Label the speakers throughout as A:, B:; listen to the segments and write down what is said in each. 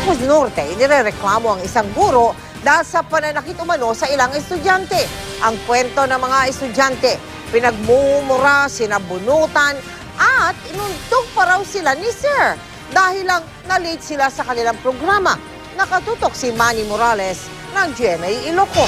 A: Ilocos Norte, inirereklamo ang isang guro dahil sa pananakit umano sa ilang estudyante. Ang kwento ng mga estudyante, pinagmumura, sinabunutan, at inuntog pa raw sila ni Sir dahil lang na-late sila sa kanilang programa. Nakatutok si Manny Morales ng GMA Ilocos.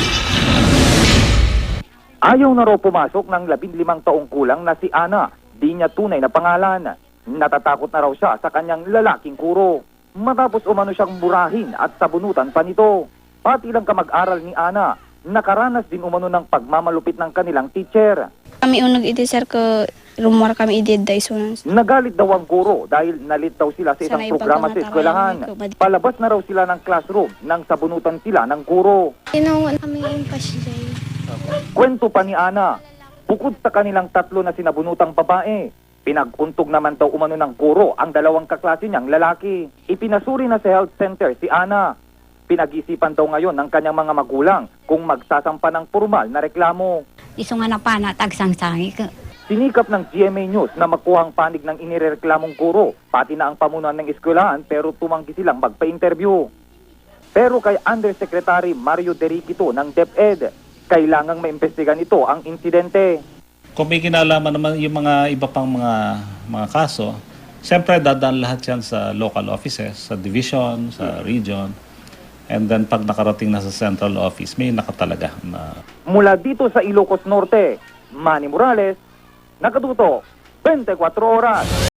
B: Ayaw na raw pumasok ng 15 taong kulang na si Ana. Di niya tunay na pangalan. Natatakot na raw siya sa kanyang lalaking guro. Matapos umano siyang burahin at sabunutan pa nito. Pati lang kamag-aral ni Ana, nakaranas din umano ng pagmamalupit ng kanilang teacher.
C: Kami unag iti sir ko rumor kami iti day sunan.
B: Nagalit daw ang guro dahil nalit daw sila sa isang
C: Sanay
B: programa sa eskwelahan. Palabas na raw sila ng classroom nang sabunutan sila ng guro.
C: Tinawag kami yung pasjay.
B: Kwento pa ni Ana, bukod sa kanilang tatlo na sinabunutang babae, pinag-untog naman daw umano ng guro ang dalawang kaklase niyang lalaki. Ipinasuri na sa health center si Ana. Pinag-isipan daw ngayon ng kanyang mga magulang kung magsasampa ng formal na reklamo.
D: Iso nga na pa na tagsangsangi ka.
B: Sinikap ng GMA News na makuha ang panig ng inireklamong guro, pati na ang pamunuan ng eskwelahan, pero tumanggi silang magpa-interview. Pero kay Undersecretary Mario Derriquito ng DepEd, kailangang maimbestigan ito ang insidente.
E: Kung may kinalaman naman yung mga iba pang mga kaso, siyempre dadaan lahat yan sa local offices, sa division, sa region. And then pag nakarating na sa central office, may nakatalaga na.
B: Mula dito sa Ilocos Norte, Manny Morales, nakatuto, 24 oras.